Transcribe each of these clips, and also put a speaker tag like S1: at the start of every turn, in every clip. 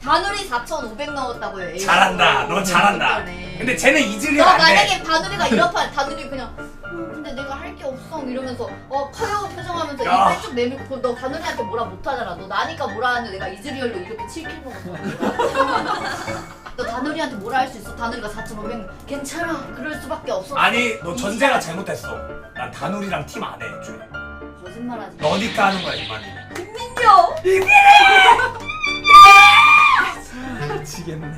S1: 바누리 4,500 넣었다고요. 에이.
S2: 잘한다. 너 잘한다. 근데 쟤는 이즈리얼
S1: 너
S2: 안 돼.
S1: 만약에 바누리가 이렇다. 바누리 그냥 근데 내가 할 게 없어 이러면서 카레오 표정하면서
S2: 야.
S1: 입 쭉 내밀고 너 바누리한테 뭐라 못하잖아. 너 나니까 뭐라 하는데 내가 이즈리얼로 이렇게 7킬 먹었어. 너 다누리한테 뭐라 할 수 있어? 다누리가 4,500 괜찮아. 그럴 수밖에 없어.
S2: 아니 너 전제가 잘못했어. 난 다누리랑 팀 안 해. 애초에.
S1: 거짓말하지.
S2: 너니까 하는 거야 이만이.
S1: 김민규.
S2: 미치겠네.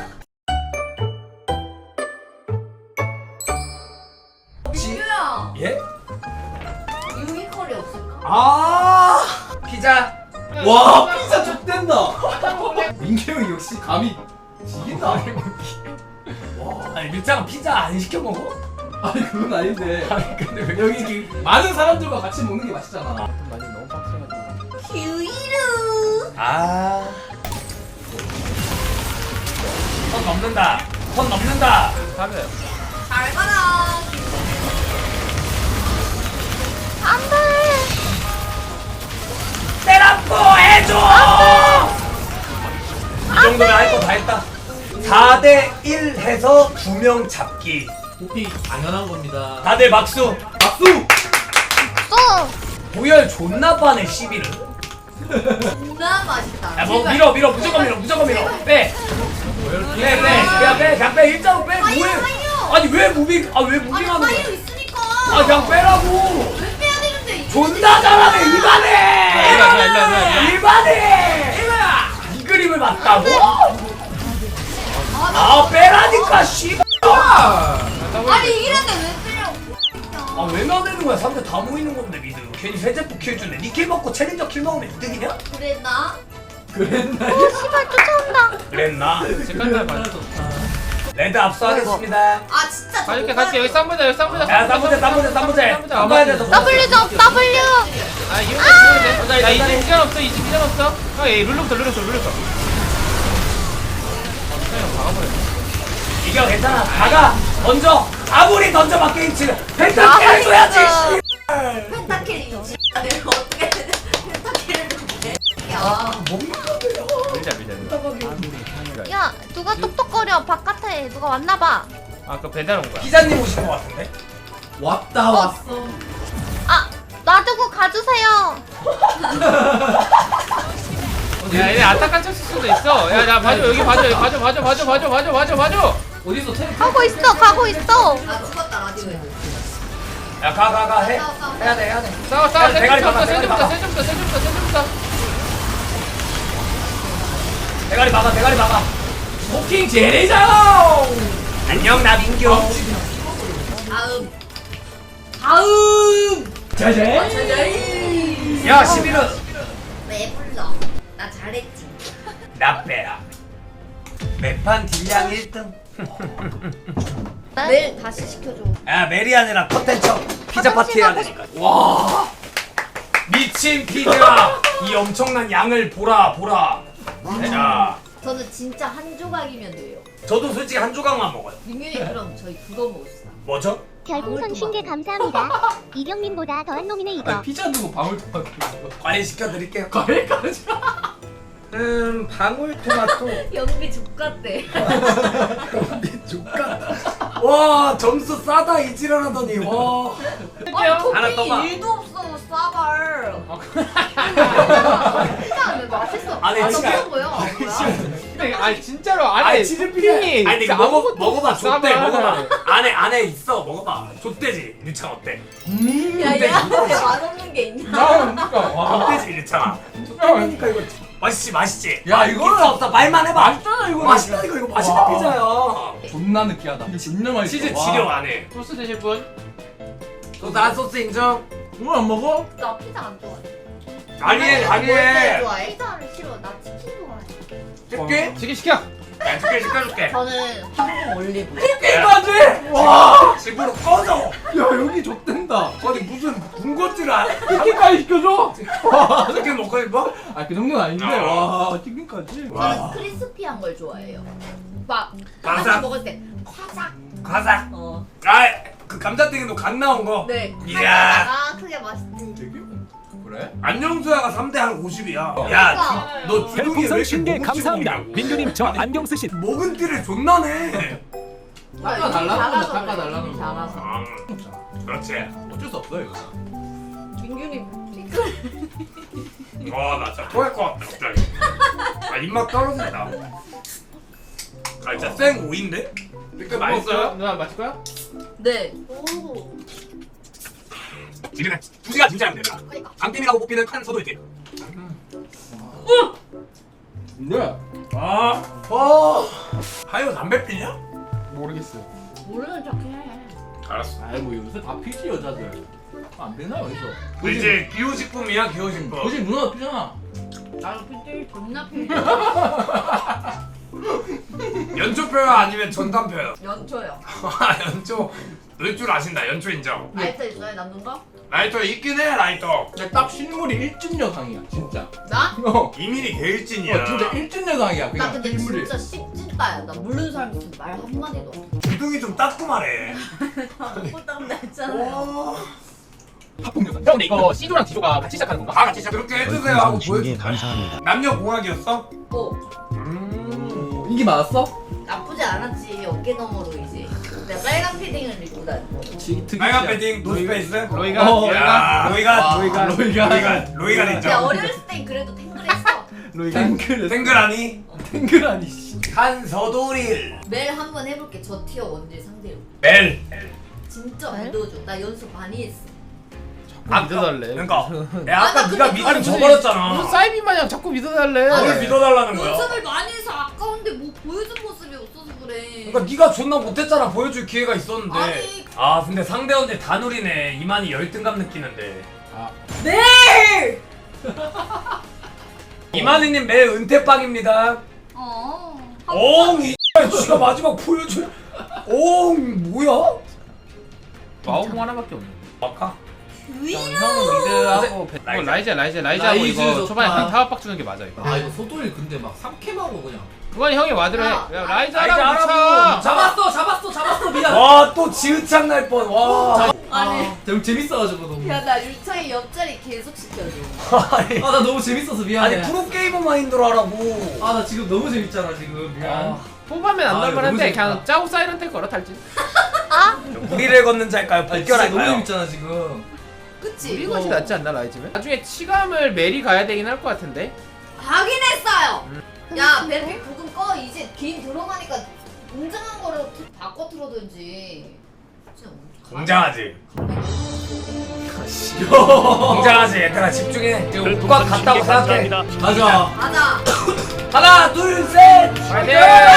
S1: 민규야.
S2: 예?
S1: 유니컬이 없을까?
S2: 아 피자.
S3: 와 피자 족된다. 민규 형이 역시 감이 지긴다.
S2: 와 아니 밀장은 피자 안 시켜 먹어?
S3: 아니 그건 아닌데.
S2: 아니 근데 왜
S3: 여기 이렇게 많은 사람들과 같이 먹는 게 맛있잖아.
S4: 많이 너무 빡세가지고.
S1: 규이루.
S2: 아. 선 넘는다. 선 넘는다.
S4: 잘해요.
S1: 잘 가라. 안돼.
S2: 때라포 해줘. 이 정도면 할 거 다 했다. 4대1 해서 2명 잡기.
S3: 호피 당연한 겁니다.
S2: 다들 박수.
S3: 박수.
S2: 보열 존나 빠네 시비를.
S1: 존나 맛있다.
S2: 야뭐 밀어 무조건 밀어 빼. 그냥 빼 일자로 빼.
S1: 하이요,
S2: 뭐해?
S1: 하이요.
S2: 아니 왜 무빙
S1: 아니
S2: 무빙하는 거야?
S1: 파이로 있으니까.
S2: 아 그냥 빼라고.
S1: 왜 빼야 되는데? 이거
S2: 존나 잘하네 이만해.
S4: 일반해.
S2: 이만해. 이 그림을 봤다고? 아 빼라니까 씨발.
S1: 아니 이런데 왜 빼냐고.
S2: 아왜 나대는 거야? 상대 다 모이는 건데 미드. 괜히 세제프 킬 주네. 니킬 먹고 챌린저 킬 먹으면 이득이냐?
S1: 그랬나?
S3: 그랬나?
S2: 그랬나?
S4: 색깔 봐.
S2: 레드 압수하겠습니다.
S1: 아 진짜.
S4: 갈게 여기 쌈보자
S2: 야 쌈보제. 안 봐야 돼서.
S5: W 점 W.
S4: 아 이런 거 보면 돼. 나 이제 기간 없어. 이제 기간 없어. 아 얘 룰러부터. 박아버려.
S2: 이겨 괜찮아. 가가 던져. 아무리 던져봐 게임치는 펜타킬 해줘야지.
S1: 펜타킬이지. 내가 어떻게 펜타킬을 해? 야.
S4: 밀자.
S5: 야 누가 똑똑거려 바깥에 누가 왔나봐.
S4: 아까 배달 온 거야.
S2: 기자님 오신 것 같은데?
S3: 왔다 왔어.
S5: 아 놔두고 가주세요.
S4: 야 얘네 아타칸 쳤을 수도 있어. 야 봐줘 여기 봐줘.
S3: 어디서 텔?
S5: 가고 있어.
S1: 나 죽었다 라디오에.
S2: 야 가 해. 해야 돼.
S4: 싸워.
S2: 대가리 박아, 대가리 박아.
S4: 세좀부터.
S2: 대가리 막아. 포킹 제레장. 안녕 나 민규.
S1: 다음.
S3: 자제.
S2: 야 11은
S1: 왜 불러? 나 잘했지.
S2: 나 빼라. 매판 딜량 1등.
S1: 내일 다시 시켜줘.
S2: 야 메리안이랑 컨텐츠 피자 파티 해야 되니까. 와 미친 피자. 이 엄청난 양을 보라. 자
S1: 저는 진짜 한 조각이면 돼요.
S2: 저도 솔직히 한 조각만 먹어요.
S1: 민균이 그럼 저희 그거 먹읍시다.
S2: 뭐죠?
S6: 별풍선 50개 감사합니다. 이경민보다 더한 놈이네
S3: 아니
S6: 이거.
S3: 피자 두고 방울토마토.
S2: 과일 시켜드릴게요.
S3: 과일까지.
S2: 방울토마토.
S1: 연비 족같대.
S2: 조카. 와 점수 싸다 이지랄하더니 와. 하나 떠봐.
S1: 토핑이 1도 없어 싸발. 피자 왜 맛있어?
S2: 아니,
S1: 아,
S2: 진짜.
S1: 너무 뭐야?
S4: 근데 아니 진짜로
S2: 아니
S4: 안에
S2: 치즈
S4: 토핑이
S2: 아니 이거
S4: 진짜 아무것도
S2: 먹어봐
S4: 없어,
S2: 좆대
S4: 싸발.
S2: 먹어봐. 안에 있어 먹어봐. 좆대지 유창 어때?
S1: 야야 맛없는 게 있냐?
S4: 그러니까 와.
S2: 좆대지 유창아. 좆대니까 이거 맛있지.
S3: 야, 이거는-
S2: 없어 말만 해봐.
S3: 맛있잖아 이거.
S2: 맛있다 이거 맛있는
S3: 와.
S2: 피자야.
S3: 존나 느끼하다. 진짜 맛있어.
S2: 치즈
S3: 와.
S2: 지려 안 해.
S4: 소스 드실 분?
S2: 나 소스 인정.
S3: 이걸 안 먹어?
S1: 나 피자 안 좋아해.
S2: 아니해
S1: 뭘
S2: 아니해.
S1: 좋아해? 피자를 싫어. 나 치킨 좋아해.
S2: 줄게.
S4: 지금 시켜.
S2: 야 시켜줄게.
S1: 저는 황금 올리브.
S3: 게임까지?
S2: 와 집으로 꺼져.
S3: 야 여기 족된다.
S2: 아니 무슨 군것질 안.
S3: 치킨까지 시켜줘? 와.
S2: 치킨 먹고 싶어?
S3: 아그 정도는 아닌데. 와 치킨까지.
S1: 저는 크리스피한 걸 좋아해요. 막
S2: 바삭.
S1: 감자 먹을 때 화작.
S2: 과자.
S1: 어.
S2: 아그 감자튀김도 갓 나온 거.
S1: 네.
S2: 이야.
S1: 아 그게 맛있지.
S3: 되게? 그래?
S2: 안녕수야가 3대 한 50이야. 야, 너 주둥이에 왜
S7: 별풍선
S2: 이렇게
S7: 10개
S2: 목을
S7: 감사합니다.
S2: 찍어 먹냐고.
S7: 민규님 저 안경 쓰신
S2: 먹은 띠를 존나 내.
S3: 깎아달라는 거야, 깎아달라는 거.
S1: 잘라서.
S2: 그렇지.
S3: 어쩔 수 없어 이거.
S1: 민균이
S2: 나 진짜 토할 것 같다 갑자기. 입맛 떨어진다. 진짜 생 오인데? 그 맛있어요?
S4: 누나 마실 거야?
S1: 네. 오.
S2: 지금 2시간 진짜 안 된다. 장팀이라고 뽑히는 칸 서도이지.
S3: 뭐야?
S2: 하여 담배 피냐?
S3: 모르겠어요.
S1: 모르는 척해.
S2: 알았어.
S3: 아이 뭐 요새 다 피지 여자들. 안 되나 어디서?
S2: 이제 기호식품이야 기호식품.
S3: 거짓 누나 피잖아.
S1: 나도 그때 존나 피.
S2: 연초표야 아니면 전담표야?
S1: 연초요.
S2: 연초. 넣을 줄 아신다. 연초 인정.
S1: 라이터 있어요 남는 거?
S2: 라이터 있긴 해 라이터.
S3: 딱 실물이 일진 여상이야 진짜.
S1: 나?
S2: 이민이 개일진이야.
S3: 진짜 일진 여상이야
S1: 나
S3: 그냥
S1: 근데
S3: 실물이.
S1: 진짜 씹찐따야. 나 모르는 사람 있으면 말 한마디도 없어.
S2: 주둥이 좀 닦고 말해.
S1: 꼴딱 났잖아요.
S3: 합동 여상.
S4: 형 근데 이거 C조랑 D조가 같이 시작하는 건가?
S2: 다 같이 그렇게 해주세요 하고 보여줘.
S8: 감사합니다.
S2: 남녀 공학이었어?
S3: 인기 많았어?
S1: 나쁘지 않았지. 어깨 너머로 이제. 내가 빨간 패딩을 입고 다니고.
S2: 빨간 패딩 노스페이스?
S4: 로이가
S2: 야, 로이가
S3: 로이가
S1: 내가
S2: 인정.
S1: 어렸을 땐 그래도 탱글했어.
S3: 탱글
S2: 탱글하니?
S3: 탱글하니 씨.
S2: 한서도릴
S1: 매일 한 번 해볼게. 저 티어 원딜 상대로.
S2: 벨.
S1: 진짜
S5: 네?
S1: 믿어줘. 나 연습 많이 했어.
S4: 믿어달래.
S2: 그러니까 야 아까
S1: 나
S2: 네가
S1: 근데
S2: 믿음
S4: 무슨
S2: 저버렸잖아.
S4: 사이비 마냥 자꾸 믿어달래.
S2: 뭘 믿어달라는 거야?
S1: 연습을 많이 해서 아까운데 뭐 보여준 모습이 없어서 그래.
S2: 그러니까 네가 존나 못했잖아. 보여줄 기회가 있었는데.
S1: 아니.
S2: 아 근데 상대원들 다 누리네. 이만희 열등감 느끼는데.
S1: 네!
S2: 이만희님 매일 은퇴빵입니다. 이 지가 마지막 보여줄. 뭐야?
S4: 마오공 하나밖에 없네.
S2: 아까?
S4: 형은 미드하고
S2: 라이자.
S4: 라이자하고
S3: 라이즈
S4: 이거
S3: 좋다.
S4: 초반에 그냥 타워박 주는 게 맞아 이거.
S3: 아 이거 소돌이 근데 막 삼캠하고 그냥.
S4: 그건 형이 와드를 해.
S1: 야,
S4: 야,
S2: 라이자
S4: 라이자라고
S2: 하라고.
S4: 쳐.
S3: 잡았어 미안.
S2: 와 또 지읒창 날 뻔. 와.
S1: 아니.
S3: 너무 재밌어가지고 너무.
S1: 야, 나 유창이 옆자리 계속 시켜줘.
S2: 아니,
S3: 아 나 너무 재밌어서 미안해.
S2: 아니 프로게이머 마인드로 하라고.
S3: 아 나 지금 너무 재밌잖아 지금 미안.
S4: 뽑으면 안
S3: 아,
S4: 날만한데
S3: 너무
S4: 그냥
S3: 재밌다.
S4: 짜고 사이런트 걸어 탈진.
S2: 우리를 걷는 자일까요?
S3: 아니, 진짜 너무
S2: 복결할까요?
S3: 재밌잖아 지금.
S1: 그치?
S4: 우리 것이 낫지 않나 라이즈면? 나중에 치감을 메리 가야 되긴 할 것 같은데.
S1: 하긴 했어요! 야, 벨픽 부금 꺼. 이제 긴 들어가니까 웅장한 거로 바꿔 틀어든지. 진짜
S2: 공장하지. 공장하지. 얘들아 집중해. 지금 꽉 갔다고 생각해.
S3: 가자.
S1: 가자!
S2: 하나, 둘, 셋.
S4: 파이팅!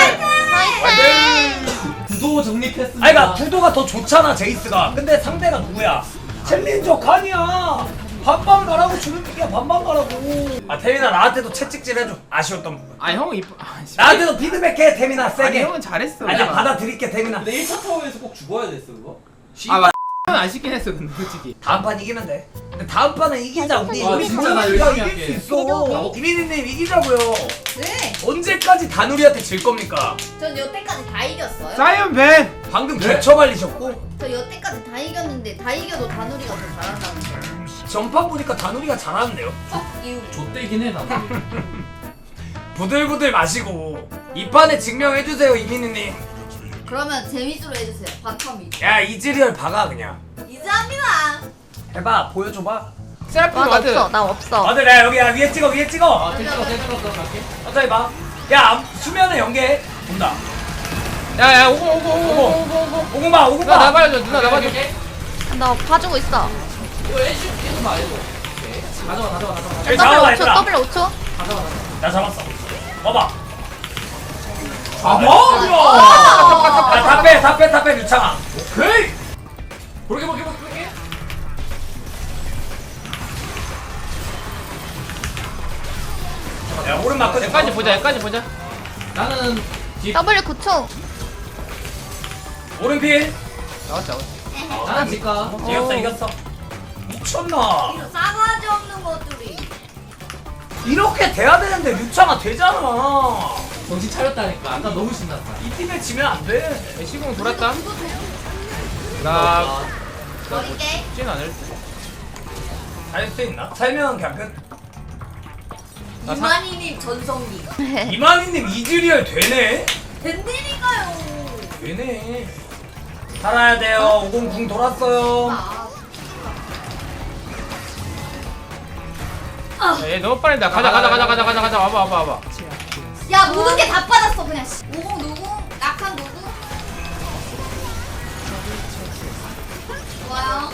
S5: 화이팅!
S3: 구도 정립했습니다.
S2: 아니 그러니까 구도가 더 좋잖아 제이스가. 근데 상대가 누구야? 챌린저 칸이야. 반반 가라고 주는 얘기야. 반반 가라고. 아 태민아 나한테도 채찍질 해줘. 아쉬웠던 부분.
S4: 아 형은 이뻐. 아, 씨.
S2: 나한테도 피드백해 태민아
S4: 아니
S2: 세게.
S4: 형은 잘했어.
S2: 아니야 받아들일게 태민아.
S3: 근데 1차 타워에서 꼭 죽어야 됐어 그거.
S4: 아 맞. 안 시킨 했어 근데 솔직히.
S2: 다음 판 이기면 돼. 근데 다음 판은 이기자 우리.
S3: 아,
S2: 우리
S3: 진짜 나
S2: 우리가
S3: 열심히
S2: 이길
S3: 할게.
S2: 수 있어. 이민희님 이기자고요.
S1: 네!
S2: 언제까지 다누리한테 질 겁니까?
S1: 전 여태까지 다 이겼어요.
S4: 사이언 벤.
S2: 방금 개처 발리셨고
S1: 저 여태까지 다 이겼는데 다 이겨도 다누리가 더 잘한다는 거.
S2: 전판 보니까 다누리가 잘하는데요.
S1: 이유.
S3: 좆대긴 해 나도.
S2: 부들부들 마시고 이 판에 증명해주세요 이민희님.
S1: 그러면 재미주로 해주세요. 바텀
S2: 야 이즈리얼 박아 그냥.
S1: 이제 합니다.
S2: 해봐 보여줘봐.
S4: 셀프
S5: 나
S4: 와드.
S5: 없어. 나 없어.
S2: 아들 야 여기 야 위에 찍어 위에 찍어.
S3: 아 됐어 갈게.
S2: 어차피 봐. 야 수면에 연계 본다.
S4: 야야 오고.
S2: 오구마 오구마.
S4: 누나 나봐줘 누나 나봐줘.
S5: 나 봐주고 있어.
S3: 이거 애쉬 계속 말해줘. 가져와.
S2: 여기
S5: W
S2: 잡아봐
S5: 5초.
S2: 얘들아.
S5: W 5초.
S2: 나 잡았어. 봐봐.
S3: 뭐?
S2: 야다빼 유창아.
S3: 오케이. 그렇게.
S2: 야 오른 맞고
S4: 여기까지 보자 여기까지 보자.
S3: 나는
S5: W 9초.
S2: 오른 필.
S4: 나왔자.
S3: 나는 지가.
S2: 이겼어. 미쳤나?
S1: 이런 싸가지 없는 것들이.
S2: 이렇게 돼야 되는데 유창아 되잖아.
S3: 정신 차렸다니까. 아까 너무 신났다.
S2: 이 팀에 지면 안 돼.
S4: 시공 돌았다.
S1: 그거 돼요?
S4: 나
S1: 버릴게.
S4: 찐 않을 때.
S2: 살 수 있나? 살면 그냥 끝.
S1: 이만희님 전성기.
S2: 이만희님 이즈리얼 되네?
S1: 덴데니까요.
S2: 되네. 살아야 돼요. 50궁 돌았어요.
S4: 얘 너무 빠른다. 가자 와봐.
S1: 야 모든 게 다 빠졌어 그냥. 50 누구? 약한 누구? 좋아요.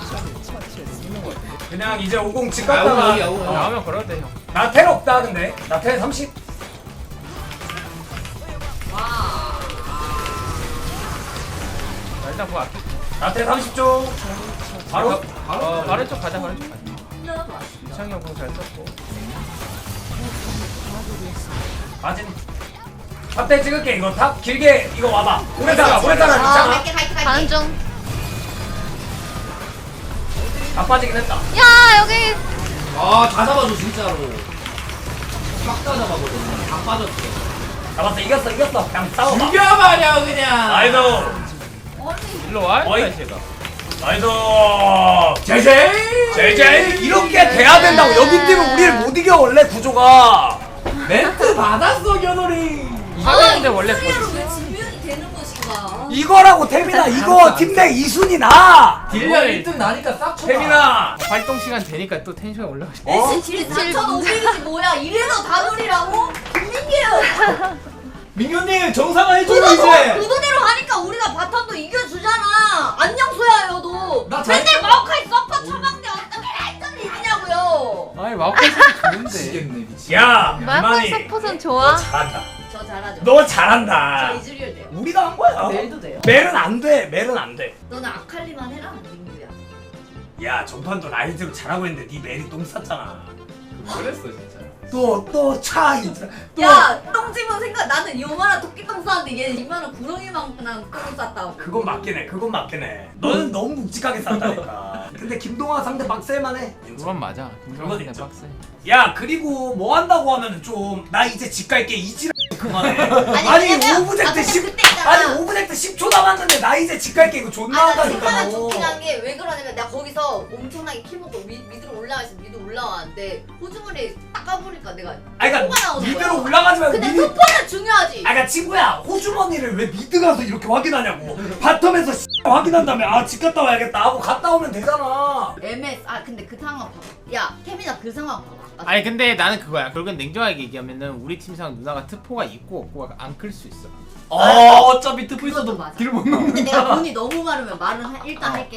S2: 그냥 이제 50 집
S3: 야구
S2: 갔다가
S3: 야구.
S4: 나오면 걸어도 돼 형.
S2: 나 텔 없다 근데. 나 텔 30.
S4: 자, 일단 그거 아낄게.
S2: 나 텔 30초. 바로
S4: 바로 쪽 가자. 유창이 형 공 잘 썼고.
S2: 맞은. 탑대 찍을게 이거 탑 길게 이거 와봐. 오래 살아 괜찮아.
S1: 갈게.
S5: 가는 중.
S2: 다 빠지긴 했다.
S5: 야 여기
S3: 아다 잡아줘 진짜로. 싹 다 잡아거든. 다 빠졌어.
S2: 잡았어 이겼어. 그냥 싸워봐.
S3: 죽여버려 그냥.
S2: 나이도
S1: 아니
S4: 일로 와.
S2: 어이.
S4: 이씨가.
S2: 나이도 제제 이렇게 돼야 된다고. 여기 뛰면 우리를 못 이겨 원래 구조가.
S3: 멘트 받았어 겨돌이.
S4: 이거는데 원래
S1: 소리로 왜 지면이 되는 것인가?
S2: 이거라고 태민아 이거 팀 내 2순위 나.
S3: 딜량 1등 나니까 싹 쳐봐.
S2: 태민아
S4: 활동 시간 되니까 또 텐션이 올라가시.
S1: 딜 4,500이지 뭐야? 이래서 다놀이라고? 김민규!
S3: 민규님 정상화 해줘
S1: 그거
S3: 이제.
S1: 그거대로 하니까 우리가 바텀도 이겨주잖아. 안녕 소야요 너.
S3: 나 잘-
S1: 맨날 마오카이 서퍼 처먹는데 어떻게 했던 일이냐고요.
S4: 아니 마우카이 좋은데.
S3: 미치겠네 미치.
S2: 야
S5: 마이클
S2: 이만희
S5: 서폿은 좋아.
S2: 잘한다.
S1: 저 잘하죠.
S2: 너 잘한다.
S1: 저 이즈리얼 돼요.
S2: 우리가 한 거야.
S1: 내일도 돼요.
S2: 멜은 안 돼. 멜은 안 돼.
S1: 너는 아칼리만 해라 민규야.
S2: 야 전판도 라이즈로 잘하고 했는데 네 멜이 똥 쌌잖아.
S3: 그랬어 진짜.
S2: 또차
S1: 야 똥집은 생각 나는 요만한 토끼똥 쌌는데 얘 이만한 구렁이만한 똥 쌌다고.
S2: 그건 맞긴 해. 너는 너무 묵직하게 쌌다니까. 근데 김동완 상대 빡셀만해.
S4: 그건 맞아.
S2: 그건
S4: 김성훈이
S2: 인정.
S4: 빡세.
S2: 야 그리고 뭐 한다고 하면은 좀 나 이제 집 갈게 이지랄 그만해.
S1: 아니, 왜냐면-
S2: 오브젝트
S1: 근데
S2: 10
S1: 그때 있잖아.
S2: 아니 오브젝트 10초 남았는데 나 이제 집 갈게 이거 존나
S1: 나
S2: 한다니까.
S1: 중간에
S2: 너.
S1: 좋긴 한 게 왜 그러냐면 내가 거기서 엄청나게 키 먹고 미드로 올라가서 미드 올라왔는데 호주머니 닦아보니까 내가
S2: 아니
S1: 소가
S2: 그러니까
S1: 나오는
S2: 미드로
S1: 거야.
S2: 올라가지 말고
S1: 근데
S2: 미드.
S1: 스포는 중요하지.
S2: 아 그러니까 친구야 호주머니를 왜 미드 가서 이렇게 확인하냐고. 바텀에서 확인한 다음에 아 집 갔다 와야겠다 하고 갔다 오면 되잖아.
S1: MS 근데 그 상황 봐봐. 야 태민아 그 상황 봐봐.
S4: 아니 근데 나는 그거야. 결국엔 냉정하게 얘기하면은 우리 팀상 누나가 트포가 있고 없고가 안 클 수 있어.
S3: 어차피 트프
S1: 그것도
S3: 있어도
S1: 맞아.
S3: 딜못 넣는.
S1: 근데 내가 돈이 너무 많으면 말은 일단 할게.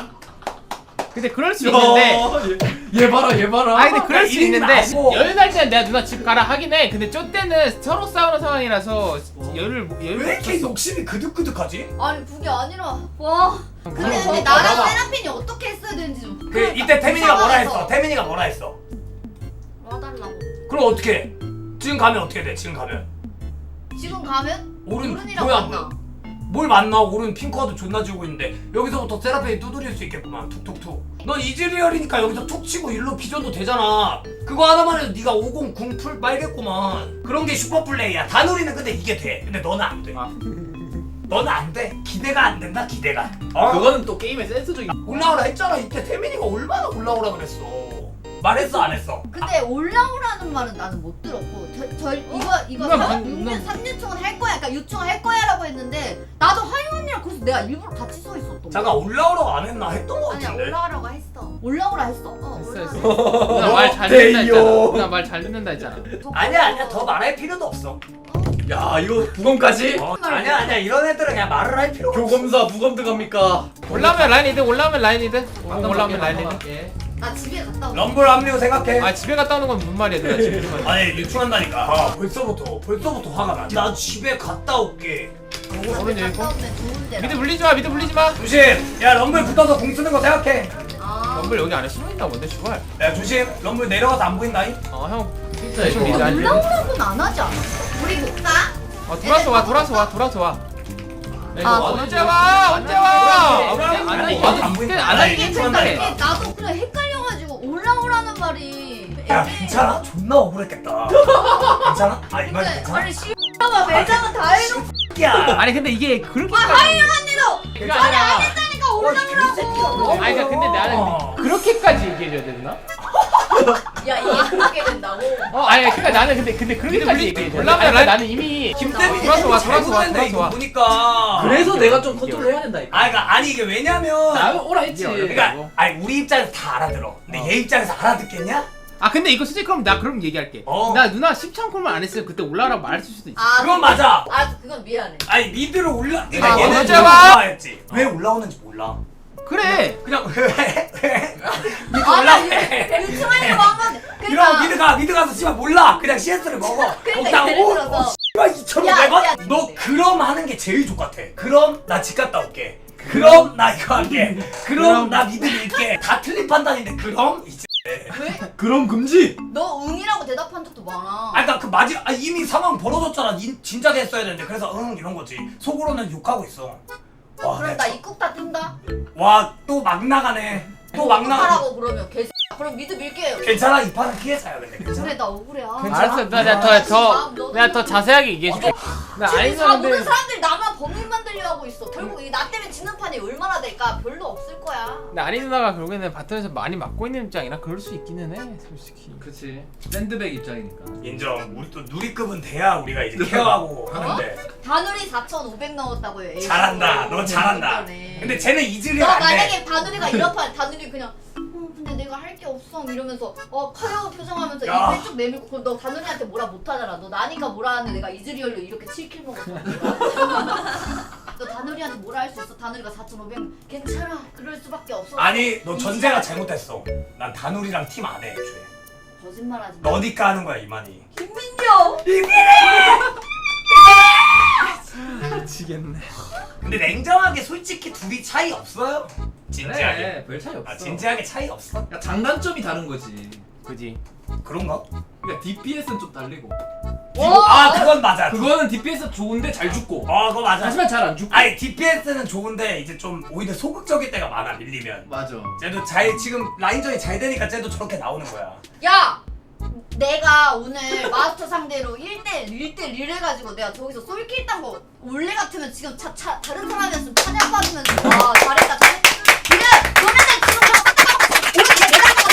S4: 근데 그럴 수 있는데.
S3: 얘 봐라 얘 봐라.
S4: 아니 근데 그럴 수
S2: 이리는
S4: 있는데
S2: 아니고.
S4: 여유 날 때는 내가 누나 집 가라 하긴 해. 근데 저 때는 서로 싸우는 상황이라서 여유를
S2: 왜 이렇게 욕심이 그득그득하지?
S1: 아니 그게 아니라 와. 근데
S2: 봐봐.
S1: 나랑 세라핀이 어떻게 했어야 되는지 좀.
S2: 그
S1: 그러니까
S2: 이때 태민이가 뭐라
S1: 상황에서
S2: 했어? 태민이가 뭐라 했어?
S1: 와달라고.
S2: 그럼 어떻게 해? 지금 가면 어떻게 돼? 지금 가면
S1: 지금 가면
S2: 오른
S1: 오른이랑
S2: 뭐야,
S1: 만나.
S2: 뭘 만나? 오른 핑크와도 존나 지우고 있는데 여기서부터 세라핀이 두드릴 수 있겠구만. 툭툭툭. 넌 이즈리얼이니까 여기서 툭 치고 일로 비전도 되잖아. 그거 하나만 해도 네가 50 궁풀 빨겠구만. 그런 게 슈퍼플레이야. 다누리는 근데 이게 돼. 근데 너는 안 돼.
S4: 아.
S2: 너는 안 돼. 기대가 안 된다. 기대가. 어?
S3: 그거는 또 게임의 센스적인.
S2: 올라오라 했잖아. 이때 태민이가 얼마나 올라오라 그랬어. 말했어 안 했어?
S1: 근데 올라오라는 말은 나는 못 들었고 이거
S4: 누나
S1: 6년 3류충은 할 거야. 그러니까 유충을 할 거야라고 했는데 나도 하영 언니랑 그래서 내가 일부러 같이 서 있었던
S2: 잠깐
S1: 거야.
S2: 올라오라고 안 했나 했던 거
S1: 아니야
S2: 같은데.
S1: 올라오라고 했어. 올라오라 했어.
S4: 했어,
S1: 올라오라
S4: 했어. 누나 말 잘 듣는다 했잖아. 누나 말 잘 듣는다 했잖아.
S2: 아니야 더 말할 필요도 없어.
S3: 야 이거 부검까지?
S2: 아니야 이런 애들은 그냥 말을 할 필요가 없어.
S3: 교검사 부검 들어갑니까?
S4: 올라오면 라인이드 올라오면 라인이드.
S3: 예.
S1: 나 집에 갔다 오고.
S2: 럼블 합류 생각해.
S4: 아 집에 갔다 오는 건 무슨 말이야 누나 집에 좀.
S2: 아니 유충한다니까. 벌써부터 화가 나. 나 집에 갔다 올게.
S4: 오른 여기 있고.
S1: 갔다 오면 좋은데.
S4: 미드 물리지 마 미드 물리지 마.
S2: 조심. 야 럼블 붙어서 공 쓰는 거 생각해.
S4: 럼블 여기 안에 숨어 있다 뭔데 슈발.
S2: 야 조심. 럼블 내려가서 안 보인다잉.
S4: 형.
S3: 진짜
S4: 좀 미드 알려.
S1: 올라오라고는 안 하지 않아? 우리 볼까?
S4: 돌아서 와.
S5: 아,
S4: 언제 와? 언제 와?
S2: 안 보인다.
S4: 안
S2: 아니,
S4: 하긴
S2: 유충한다니까.
S1: 이게 나도 그래 헷갈려가지고 올라오라는 말이.
S2: 야 괜찮아? 존나 억울했겠다. 괜찮아? 아 이 말
S1: 근데
S2: 괜찮아?
S1: 아니 씨발아 매장은 다 해놓고.
S2: 야.
S4: 아니 근데 이게 그렇게
S1: 하영 언니도
S4: 그게
S1: 아니
S4: 아니라
S1: 안 했다니까
S4: 아니 그러니까 근데 나는 그렇게까지 얘기해줘야 되나?
S1: 야 이게 그렇게 된다고?
S4: 아니 그러니까 나는 근데 그렇게까지 얘기해줘야 돼.
S2: 몰라,
S4: 나는 이미
S2: 김태민이
S4: 돌아서 와,
S2: 잘
S4: 돌아서 와,
S2: 보낸다 이거
S4: 돌아서 와.
S2: 보니까.
S3: 그래서 내가 좀 컨트롤해야 된다니까.
S2: 아니 이게 왜냐면.
S3: 나는 오라 했지.
S2: 그러니까 아니 우리 입장에서 다 알아들어. 근데 얘 입장에서 알아듣겠냐?
S4: 아 근데 이거 솔직히 그럼 나 그럼 얘기할게. 나 누나 10창콜만 안 했으면 그때 올라라고 말했을 수도 있어.
S1: 아
S2: 그건 맞아.
S1: 아 그건 미안해.
S2: 아니 미드로 그러니까
S4: 아,
S2: 얘는
S4: 맞아.
S2: 올라왔지. 왜 올라오는지 몰라.
S4: 그래.
S2: 그냥 왜? 미드
S1: 아나
S2: 올라해.
S1: 유튜브에서 한번
S2: 이러면 미드 가서 씨발 몰라. 그냥 CS를 먹어.
S1: 그러니까
S2: 먹다가
S1: 예를
S2: 오
S1: 들어서
S2: 씨발
S1: 야,
S2: 2,500원? 너 그럼 하는 게 제일 좋같아. 그럼 나 집 갔다 올게. 그럼 나 이거 할게. 그럼 나 미드 밀게. 다 틀린 판단인데 그럼 이제.
S1: 왜?
S3: 그럼 금지.
S1: 너 응이라고 대답한 적도 많아.
S2: 아까 그 이미 상황 벌어졌잖아. 진작에 했어야 되는데 그래서 응 이런 거지. 속으로는 욕하고 있어. 와,
S1: 그럼
S2: 내가
S1: 나 입국 다 뜬다?
S2: 와 또 막 나가네. 또 막 나가.
S1: 하라고 그러면 개새. 그럼 미드 밀게요.
S2: 괜찮아 이 판은 피해자야 근데 괜찮아.
S1: 그래 나 억울해.
S4: 알았어. 내가 더 자세하게 얘기해줄게. 나
S1: 지금
S4: 아닌
S1: 다 모든
S4: 사람들.
S1: 사람들이 나만 범인 만들려 하고 있어. 결국 이 나 때문에 지는 판이 얼마나 될까? 별로 없을 거야.
S4: 근데 아니 누나가 결국에는 바텀에서 많이 맞고 있는 입장이라 그럴 수 있기는 해 솔직히.
S3: 그렇지. 샌드백 입장이니까.
S2: 인정. 우리 또 누리급은 돼야 우리가 이제 케어하고 하는데.
S1: 바누리 4,500 넣었다고요. 에이스.
S2: 잘한다. 너 잘한다.
S1: 이번에.
S2: 근데 쟤는 이즈리얼
S1: 너
S2: 안 돼.
S1: 만약에 바누리가 이렇판 바누리 그냥 근데 내가 할 게 없어 이러면서 커요 표정하면서
S2: 야.
S1: 입을 쭉 내밀고 그럼 너 바누리한테 뭐라 못하잖아. 너 나니까 뭐라 하는데 내가 이즈리얼로 이렇게 7킬 먹었어. 너 다누리한테 뭐라 할 수 있어? 다누리가 4,500 괜찮아. 그럴 수밖에 없어.
S2: 아니 너 전제가 잘못됐어. 난 다누리랑 팀 안 해. 애초에.
S1: 거짓말하지 마.
S2: 너니까 하는 거야 이만희.
S1: 김민정.
S4: 미치겠네.
S2: 근데 냉정하게 솔직히 둘이 차이 없어요? 진지하게.
S3: 그래, 별 차이 없어.
S2: 진지하게 차이 없어?
S3: 그러니까 장단점이 다른 거지.
S4: 그지.
S2: 그런가?
S3: 그러니까 DPS는 좀 다르고.
S2: 그건 맞아.
S3: 그거는 DPS 좋은데 잘 죽고.
S2: 그거 맞아.
S3: 하지만 잘 안 죽고.
S2: 아니 DPS는 좋은데 이제 좀 오히려 소극적일 때가 많아 밀리면.
S3: 맞아.
S2: 쟤도 지금 라인전이 잘 되니까 쟤도 저렇게 나오는 거야.
S1: 야! 내가 오늘 마스터 상대로 1대1 해가지고 내가 저기서 솔킬 딴거 원래 같으면 지금 다른 사람이었으면 찬양 받으면서 와 잘했다 그래 너네들 지금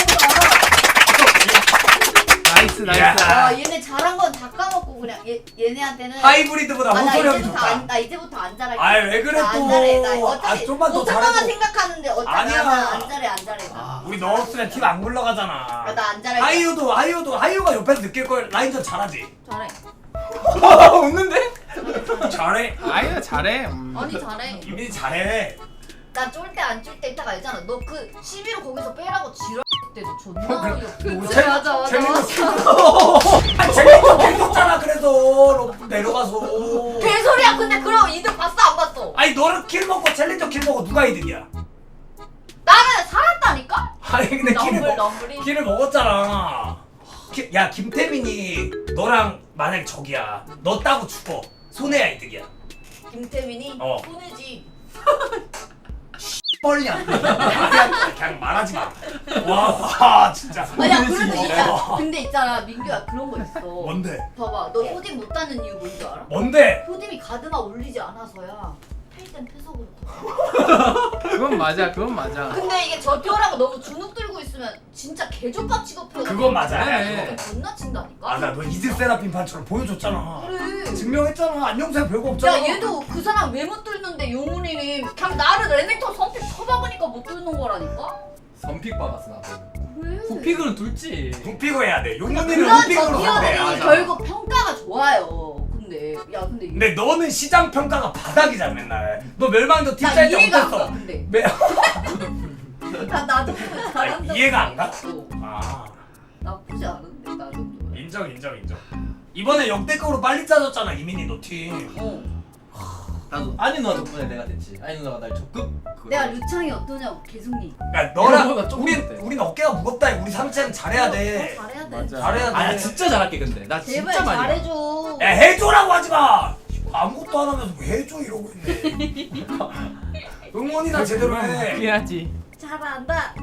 S1: 오늘
S4: 나이스.
S2: 야.
S1: 얘네 잘한 건 다 까먹고 그냥 얘네한테는
S2: 하이브리드보다
S1: 나
S2: 호소력이 좋다.
S1: 나 이제부터 안 잘할게.
S2: 아이, 왜 그래,
S1: 나
S2: 또.
S1: 안 잘해. 나 어차피
S2: 좀만 더
S1: 못할 것만
S2: 잘해도.
S1: 생각하는데 어차피
S2: 아니야.
S1: 안 잘해. 나.
S2: 우리 너 없으면 팀 안 굴러가잖아.
S1: 나 안 잘할게.
S2: 하이유가 옆에서 느낄 걸 라인전 잘하지.
S1: 잘해.
S3: 웃는데?
S2: 잘해.
S4: 아유 잘해.
S1: 아니 잘해.
S2: 이민이 잘해.
S1: 나 쫄 때 안 쫄 때 이따가 알잖아. 너 그 11호 거기서 빼라고 지랄 때도 존나 어이없어. 맞아.
S2: 재밌어 계속잖아 그래서 러프 내려가서.
S1: 개소리야. 근데 그럼 이득 봤어 안 봤어?
S2: 아니 너는 킬 먹고 챌린저 킬 먹고 누가 이득이야?
S1: 나는 살았다니까?
S2: 아니 근데
S1: 넘블이.
S2: 킬을 먹었잖아. 야 김태민이 너랑 만약에 적이야. 너 따고 죽어. 손해야 이득이야.
S1: 김태민이
S2: 어.
S1: 손해지.
S2: 뻘냐. 그냥 말하지 마. 와 진짜.
S1: 아니야 그래도
S2: 손해지.
S1: 있잖아. 근데 있잖아 민규야 그런 거 있어.
S2: 뭔데?
S1: 봐봐 너 효딤 못 따는 이유 뭔지 알아?
S2: 뭔데?
S1: 효딤이 가드마 올리지 않아서야. 팰땐 패석으로.
S4: 그건 맞아.
S1: 근데 이게 저표라고 너무 주눅 들고 있으면 진짜 개족밥 취급해.
S2: 그건 맞아.
S3: 그래.
S1: 존나 친다니까.
S2: 맞아 너 이즈 세라핀 판처럼 보여줬잖아.
S1: 그래.
S2: 증명했잖아. 안녕생 별거 없잖아.
S1: 야 얘도 그 사람 왜 못 뚫는데 용훈이는 그냥 나를 레넥톤 선픽 쳐박으니까 못 뚫는 거라니까?
S3: 선픽 박았어 나도.
S1: 그래.
S3: 후픽은 둘지.
S2: 후픽을 해야 돼. 용문이는
S1: 그런
S2: 후픽으로 상대.
S1: 저기어들이 결국 평가가 좋아요. 근데
S2: 근데 너는 시장 평가가 바닥이잖아 맨날. 너 멸망도
S1: 나
S2: 팀짤 때
S1: 이해가 안 가.
S2: 어땠어?
S1: 근데
S2: 매...
S1: 나도 잘한다.
S2: 이해가 안 가?
S1: 어,
S2: 아
S1: 나쁘지 않은데 나 정도면.
S2: 인정. 이번에 역대급으로 빨리 짜졌잖아 이민희 너 팀.
S3: 나도 아니 누나 덕분에 내가 됐지. 아니 누나가 날 적극.
S1: 내가 류창이 어떠냐고 계속 얘기.
S2: 야 너랑
S3: 이거보다 좀 못해.
S2: 우린 어깨가 무겁다. 우리 삼체는 잘해야 돼.
S1: 잘해야 돼.
S4: 맞아.
S2: 잘해야 돼.
S3: 아나 진짜 잘할게 근데. 나
S1: 제발
S3: 진짜 많이.
S1: 잘해줘.
S2: 야 해줘라고 하지 마. 아무것도 안 하면서 왜 해줘 이러고 있네. 응원이나 제대로 해.
S4: 해야지.
S1: 잘한다.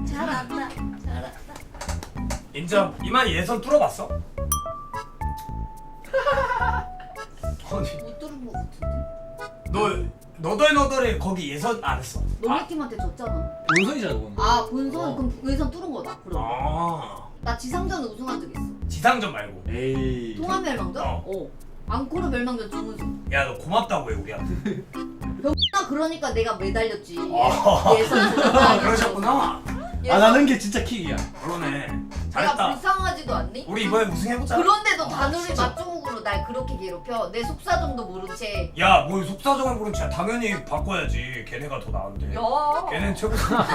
S2: 인정. 이만희 예선 뚫어봤어? 아니
S1: 못 들은 거 같은데.
S2: 너 너덜너덜해 거기 예선 안 했어?
S1: 너네 팀한테 졌잖아.
S3: 본선이잖아 그건.
S1: 아 본선 그럼 예선 뚫은 거다. 그럼
S2: 아
S1: 나 지상전 우승한 적 있어.
S2: 지상전 말고.
S3: 에이.
S1: 통합 멸망전?
S2: 어.
S1: 앙코르 멸망전 준우승.
S2: 야 너 고맙다고 해 우리한테.
S1: 병나 그러니까 내가 매달렸지.
S2: 아.
S1: 예선
S2: 그러셨구나.
S3: 안 하는 게 진짜 킥이야.
S2: 그러네.
S1: 내가
S2: 잘했다.
S1: 불쌍하지도 않니?
S2: 우리 이번에 우승해보자.
S1: 그런데도 다누리 맞종욱으로 날 그렇게 괴롭혀. 내 속사정도 모른 채.
S2: 야, 뭘 속사정을 모른 채 당연히 바꿔야지. 걔네가 더 나은데.
S1: 야.
S2: 걔는 최고.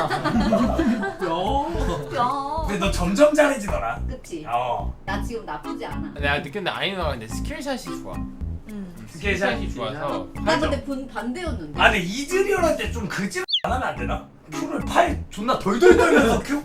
S1: 야.
S2: 근데 너 점점 잘해지더라.
S1: 그치?
S2: 어.
S1: 나 지금 나쁘지 않아.
S4: 내가 느꼈는데 아이 누나가 근데 스킬샷이 좋아. 스킬샷이 좋아서.
S1: 나 근데 반대였는데.
S2: 아, 근데 이즈리얼한테 좀 그질 안 하면 안 되나? 큐를 팔 존나 덜덜 떨면서 큐.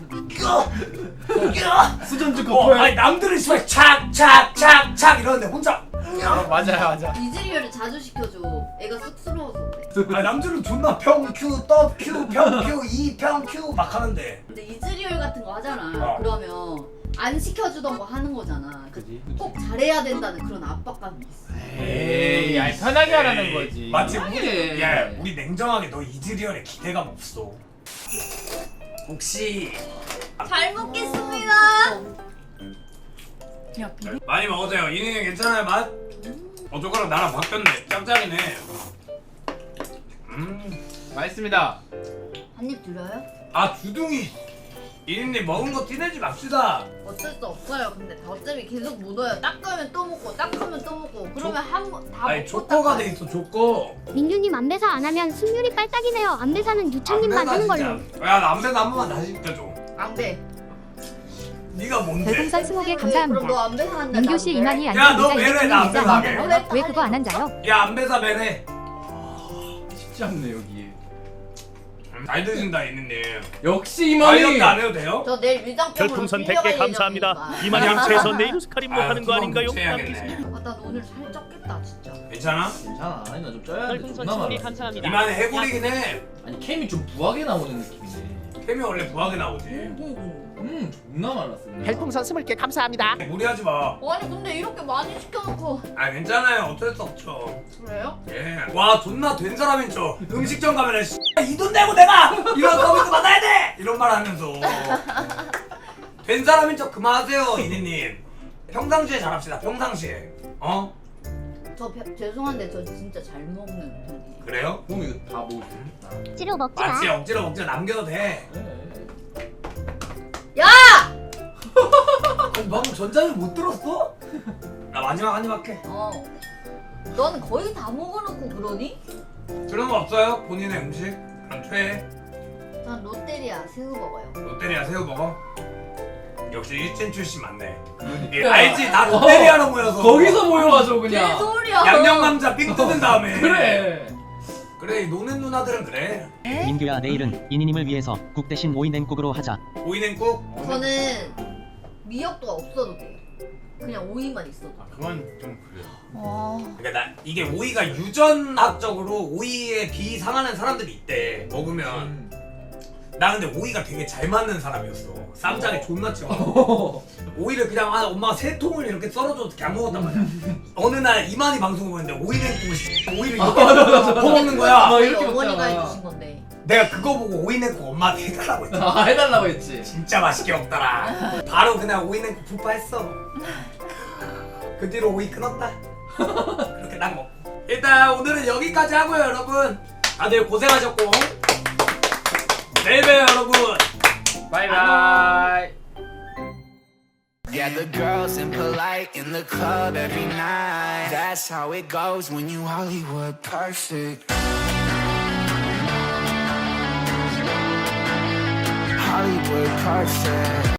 S3: 수전주
S2: 어,
S3: 커플.
S2: 아니 남들은 씨발 착착착착 이러는데 혼자.
S4: 맞아.
S1: 이즈리얼을 자주 시켜줘. 애가 쑥스러워서 그래.
S2: 아 남들은 존나 평큐 떡큐 평큐 이평큐 막 하는데.
S1: 근데 이즈리얼 같은 거 하잖아.
S2: 어.
S1: 그러면 안 시켜주던 거 하는 거잖아. 꼭 잘해야 된다는 그런 압박감이 있어.
S4: 에이, 아니 편하게 하라는 거지.
S2: 맞지?
S3: 편하게.
S2: 야, 우리 냉정하게 너 이즈리얼에 기대감 없어. 혹시
S1: 잘 먹겠습니다.
S2: 많이 먹으세요. 이닝 괜찮아요 맛? 저거랑 나랑 바뀌었네. 짱짱이네.
S4: 맛있습니다.
S1: 한 입 드려요?
S2: 아 주둥이. 이닝님 먹은 거 티내지 맙시다.
S1: 어쩔 수 없어요. 근데 어차피 계속 묻어요. 닦으면 또 먹고 닦으면 또 먹고. 그러면 한 번 다
S2: 아니
S1: 먹고
S2: 조커가
S1: 닦아요.
S2: 돼 있어 조커.
S6: 민규님 안배사 안 하면 승률이 빨딱이네요. 안배사는 유창님만 하는 걸로.
S2: 야 남배도 한 번만 다시 시켜줘.
S1: 안 돼.
S2: 네가 뭔데?
S7: 별풍선 20개
S1: 그럼
S7: 감사합니다.
S1: 너 안 배사 한다.
S7: 민규 씨 이만희
S2: 야, 너
S7: 안녕
S2: 매래,
S7: 이자
S2: 나
S7: 이자
S2: 안
S7: 이자
S2: 배사게.
S7: 이자 왜 그거 안 앉아요?
S2: 야 안배사 매네.
S3: 쉽지 않네 여기.
S2: 잘 드신다 이닝님.
S3: 역시 이만희.
S2: 다이어트 안 해도 돼요?
S1: 저 내일 위장병으로
S8: 별풍선 100개 감사합니다. 이만희 최선 내일 스카림 뭐 하는 거 아닌가요?
S2: 해야겠네.
S1: 나 오늘 살 쪘겠다 진짜.
S2: 괜찮아?
S3: 괜찮아. 아니 나 좀 쪄야 돼.
S8: 별풍선
S3: 존나
S8: 10개
S3: 많아.
S8: 감사합니다.
S2: 이만해 해골이긴 해.
S3: 아니 캠이 좀 부하게 나오는 느낌이네.
S2: 캠이 원래 부하게 나오지.
S3: 존나 말랐어.
S8: 별풍선 20개 감사합니다.
S2: 무리하지 마.
S1: 아니 근데 이렇게 많이 시켜놓고.
S2: 아 괜찮아요. 어쩔 수 없죠.
S1: 그래요?
S2: 예. 와 존나 된 사람인 척. 음식점 가면은 이 돈 내고 내가 이런 서비스 받아야 돼. 이런 말 하면서. 된 사람인 척 그만하세요 이니님. 평상시에 잘합시다. 평상시에. 어?
S1: 죄송한데 저 진짜 잘 먹는 편이에요.
S2: 그래요?
S3: 그럼 이거 다 먹을 수 있겠다.
S6: 억지로 먹지 마.
S2: 맞지 억지로 먹지 남겨도 돼.
S1: 야!
S2: 방금 전자를 못 들었어? 나 마지막 한 입 할게.
S1: 넌 거의 다 먹어놓고 그러니?
S2: 그런 거 없어요? 본인의 음식? 그럼 최애?
S1: 전 롯데리아 새우 먹어요.
S2: 롯데리아 새우 먹어? 역시 일진 출신 맞네. 예, 알지? 다 롯데리아로 모여서
S3: 거기서 모여가지고 그냥.
S1: 개소리야.
S2: 양념감자 삥 뜯은 다음에
S3: 그래.
S2: 그래 이 노는 누나들은 그래.
S9: 민규야 내일은 이니님을 위해서 국 대신 오이 냉국으로 하자.
S2: 오이냉국?
S1: 저는 미역도가 없어도 돼요. 그냥 오이만 있어도.
S4: 그건 좀 그래요.
S2: 그러니까 나 이게 오이가 유전학적으로 오이에 비상하는 사람들이 있대. 먹으면 나 근데 오이가 되게 잘 맞는 사람이었어. 쌈장에 존나 찍어. 오이를 그냥 엄마가 세 통을 이렇게 썰어줘도 이렇게 안 먹었단 말이야. 어느 날 이만희 방송을 보는데 오이냉국을 오이를 이렇게 퍼먹는 거야.
S1: 저희
S3: 이렇게
S1: 어머니가
S3: 먹잖아.
S1: 해주신 건데.
S2: 내가 그거 보고 오이냉국 엄마한테 해달라고 했지.
S3: 아 해달라고 했지.
S2: 진짜 맛있게 먹더라. 바로 그냥 오이냉국 푸파했어. 그 뒤로 오이 끊었다. 그렇게 딱 먹고. 일단 오늘은 여기까지 하고요 여러분. 다들 고생하셨고 내일 봬요 여러분.
S4: 바이바이.
S10: Yeah, the girls impolite in the club every night. That's how it goes when you Hollywood perfect. Hollywood perfect.